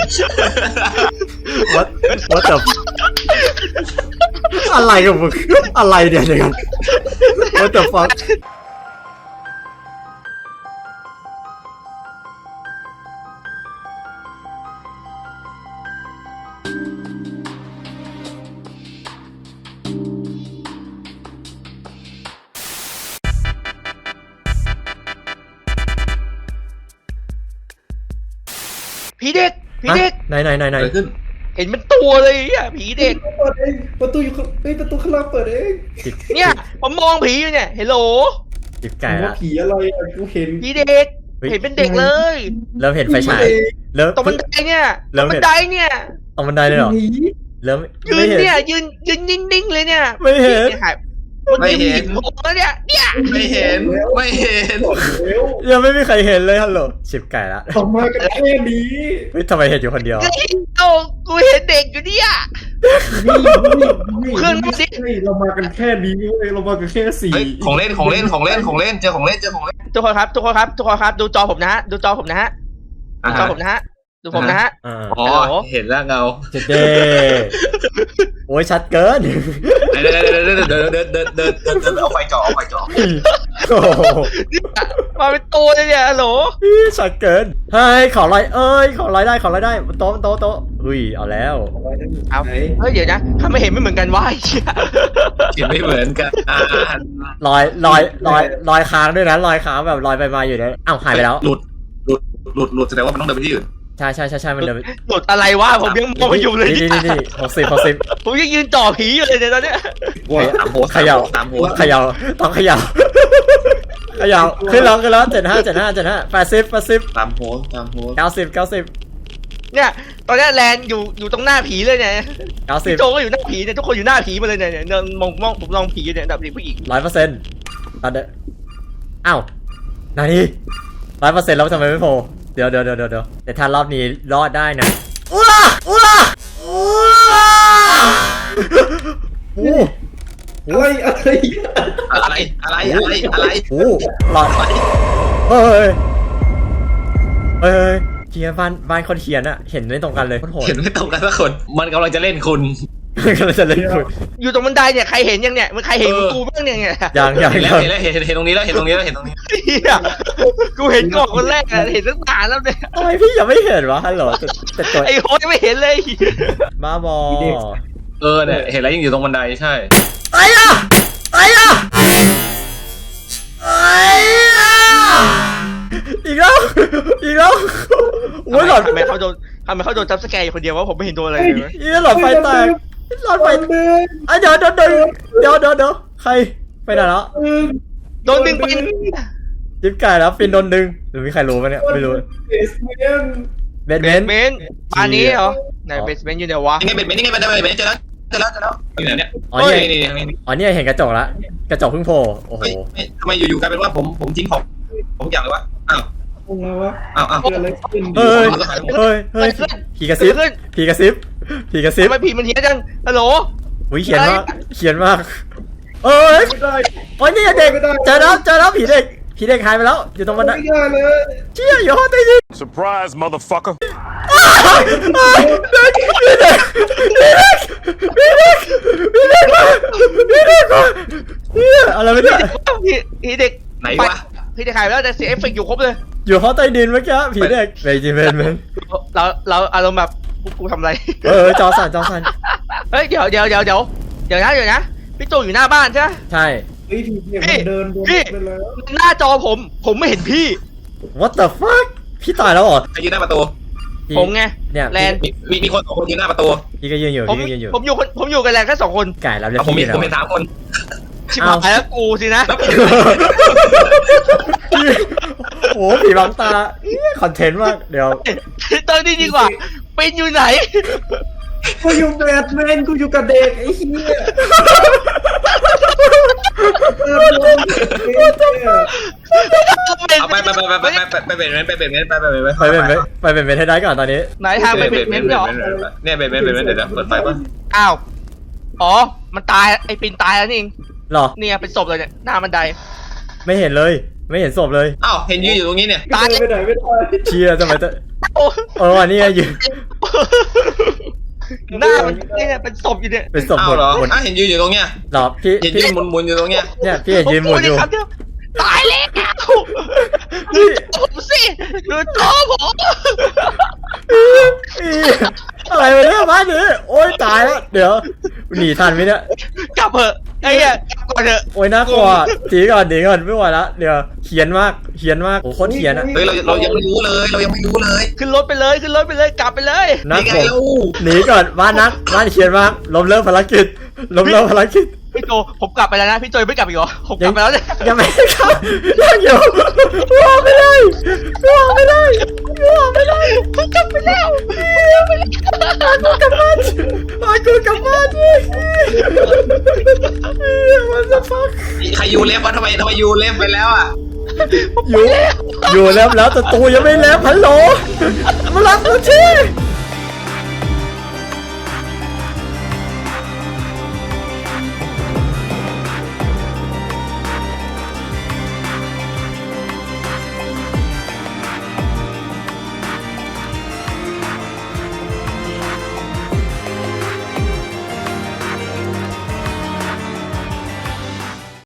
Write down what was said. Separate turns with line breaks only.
what the อะไรกับมึงอะไรเนี่ยเดี๋ยวกัน what the fuck
ผีเด็ก
ไหน
เกิดขึ้น
เห็นเป็นตัวเลยอ่ะผีเด็ก
เปิดเองประตูอยู่ประตูข้างล่างเปิดเอง
เนี่ยผมมองผีอยู่เนี่ยเฮลโหล
จิบไก่
ว่า
ละ
ผีอะไรอ่ะกูเห็น
ผีเด็กเห็นเป็นเด็กเลย
เริ่มเห็นไฟฉายเริ่ม
ตรงบันไดเนี่ยตรงบันไดเนี่ย
ตรงบันไดเลยเหรอ
ผี
เริ่ม
ยื
ไม่
น
เห็น
เนี่ยยืนนิ่งๆเลยเนี่ย
ไม่เห็น
ไม่เห็น
ผมแล้วเนี่ย
ไม่เห็นไม่เห็น
แล้ว
ยังไม่มีใครเห็นเลยฮัลโหลจิบไก่ละ
ออกมากันแค่นี้
เฮ้ยทำไมเห็นอยู่คนเดียว
โอ้กูเห็นเด็กอยู่เนี่ย
นี่
เครื่องนี้สิ
เรามากันแค่นี้เว้ยเรามากันแค่สี่
เฮ้ยของเล่นเจอของเล่น
ทุกคนครับดูจอผมนะฮะดูจอผมนะฮะดูจอผมนะฮะดูผมนะฮะ
อ๋อเห็นแล้วเงา
เจ็ดเด้โอ้ยชัดเกิน
เดินเอาไฟจ่อ
โอ้โห
มาเป็นตัวเลยเนี่ยฮัลโหล
ชัดเกินเฮ้ยขอลอยขอลอยได้โต๊ะอุ้ยเอาแล้ว
เอา
ไหน
เฮ้ยเดี๋ยวนะถ้าไม่เห็นไม่เหมือนกันวะไอ้เหี้ย
เห็นไม่เหมือนกัน
ลอยค้างด้วยนะลอยค้างแบบลอยไปมาอยู่เนี่ยอ้าวหายไปแล้ว
หลุดแสดงว่ามันต้องเดินไปที่อื่น
ใช่มันเดิน
หลุดอะไรวะผมยังมองไม่อยู่เลย
นี่60
ผมยังยืนจ่อผีอยู่เลยเนี่ยตอนเนี้ย
ตามโพส
เขย่า ต้องเขย่าขึ้นแล้ว75 80
ตามโพส
90
เนี่ยตอนเนี้ยแลนอยู่ตรงหน้าผีเลยเนี่ยพี่โจ
90
ก็อยู่หน้าผีเนี่ยทุกคนอยู่หน้าผีมาเลยเนี่ยมองผมลองผีอยู่เนี่ยแบบผู้หญิง
100%ตอนเด้ออ้าวนานี่100%แล้วทำไมไม่โผล่เดี๋ยวแต่ถ้ารอบนี้รอดได้นะอู้ล่ะโอ้
อะไร
โหหลอดเฮ้ยเขียนบ้านคนเขียนอะเห็นไม่ตรงกันเลยโคตรโหด
เห็นไม่ตรงกันสักคนมันกำลังจะเล่นคุณ
ก็เลยจะเล่นคุณ
อยู่ตรงบันไดเนี่ยใครเห็นยังเนี่ยมันใครเห็นกูบ้างเนี่ย
ยัง
เห็นตรงนี้แล้ว
เฮียกูเห็นก่อนคนแรกอะเห็นตั้งนานแล้วเนี่ย
ทำไมพี่ยังไม่เห็นวะฮัลโหลแต่ตัว
ไอ้โฮยังไม่เห็นเลย
บ้าบอ
เนี่ยเห็นแล้วยังอยู่ตรงบันไดใช่
ไอ้อะอีกแล้วโอ้ยหลอด
ทำไมเขาโดนจับสแกร์อยู่คนเดียววะผมไม่เห็นโดนอะไรเลย
หลอดไฟแตกเดี๋ยวใครไปไหนแล้ว
โดนดึงไป
จิ๊บไก่แล้วฟินโดนดึงหรือมีใครรู้ไหมเนี่ยไม่รู้เบสเมนต์
ปานนี้เหรอไหนเบสเมนต์อยู่ไหนวะ
นี่ไงมันเจอแล้วอยู่ไหนเนี่ย
อ๋อเนี่ยเห็นกระจกละกระจกเพิ่งโผล่โอ้โห
ทำไมอยู่ๆกลายเป็นว่าผมทิ้งของผมอย่างเลยวะอ้าว
เกิดอะไรขึ้น
เฮ้ยผีกระซิบ
ทำไมผีมันเฮี้ยจังฮัลโหล
อุ้ยเขียนมากโอ้ยนี่เด็กเจอแล้วผีเด็กหายไปแล้วอยู่ตรงบันได
ไม่ได้เลย
เชี่ยอยู่ห้องใต้ดิน
Surprise, motherfucker.
อะไรไม่ได้
ผีเด็ก
ไหนวะ
ผีเด็กหายไปแล้วแต่เสียเอฟเฟกต์อยู่ครบเลย
อยู่ห้องใต้ดินเมื่อกี้ผีเด็กเบจิเมน
เราอารมณ์แบบกูทำอะไร
จอสั่น
เฮ้ยเดี๋ยวนะพี่โจอยู่หน้าบ้านใช่ไหม
ใช่
เฮ้ยผีมันเดินไปแล้ว
หน้าจอผมไม่เห็นพี่
what the fuck พี่ตายแล้วเหรอ
ใครยืนหน้าประตู
ผมไง
เนี่ย
แลน
มีคน2 คนยืนหน้าประตู
พี่ก็ยืนอยู่
ผมอยู่กับแลนแค่2 คน
ไก่แล้วเรียก
ผม
พี่
เห็น3 คน
ชิบหายแล้วกูสินะ
โอ้ผีบังตาคอนเทนต์มากเดี๋ยว
ตอนนี้ดีกว่าเป็นอยู่ไหน
กูอยู่แบทแมนกูอยู่กับเด็กไอ้เหี้ย
เอาไปเป็นเมนไปเป็นเมน
ให้ได้ก่อนตอนนี้
ไหนทางไปเป็นเมนเหรอ
เนี่ยเป็นเมนเดี๋ยวเปิดไฟป่ะ
อ้าวอ๋อมันตายไอ้ปินตายแล้วนี่เอง
หรอ
เนี่ยเป็นศพเลยเนี่ยหน้าบันได
ไม่เห็นเลยไม่เห็นศพเลย
อ้าวเห็นยืนอยู่ตรงนี้เนี่ย
ตาย
ไม่ได้
เชียร์ทำไมอันนี้ยืน
หน้ามันเนี่ยเป็นศพอยู่เนี่ย
เป็นศพ
อ้า
หม
ว
ด
เหรอ
หมด
อ่ะเห็นยืนอยู่ตรงเนี้ย
หรอพี่
เห็น
พี่
ยืนหมุนอยู่ตรงเนี้ย
เนี่ยพี่เห็นยืนหมุนอยู่
ผมพูดเลยครับตายแล้วดูผมสิดูจอผม
อะไรวะเนี่ยบ้านนี้โอ๊ยตายแล้วเดี๋ยวหนีทันไหมเนี่ย
กลับเถอะไอ้เนี่ยกลับก่อนเถอะ
โอ๊ยน่ากลัวหนีก่อนไม่ไหวละเดี๋ยวเขียนมากโอ้โคตรเขียนอะ
เฮ้ยเรายังไม่รู้เลยเรายังไม่รู้เลย
ขึ้นรถไปเลยกลับไปเลย
นัก
นี่ไง
ผม
เรา
หนีก่อนบ้านเขียนมากล้มเลิกภารกิจ
พี่โจผมกลับไปแล้วนะพี่โจไม่กลับอีกเหรอผมกลับไปแล้วเนี่ย
ยังไม่เข้ายังอยู่รอไม่ได้ผมกลับไปแล้วกูกลับบ้านดิมันจะฟัก
ใครยูเล็บวะทำไมยูเล็บไปแล้วอ่ะ
อยู่แล้วแต่ตูยังไม่แล้วฮัลโหลมารับเราที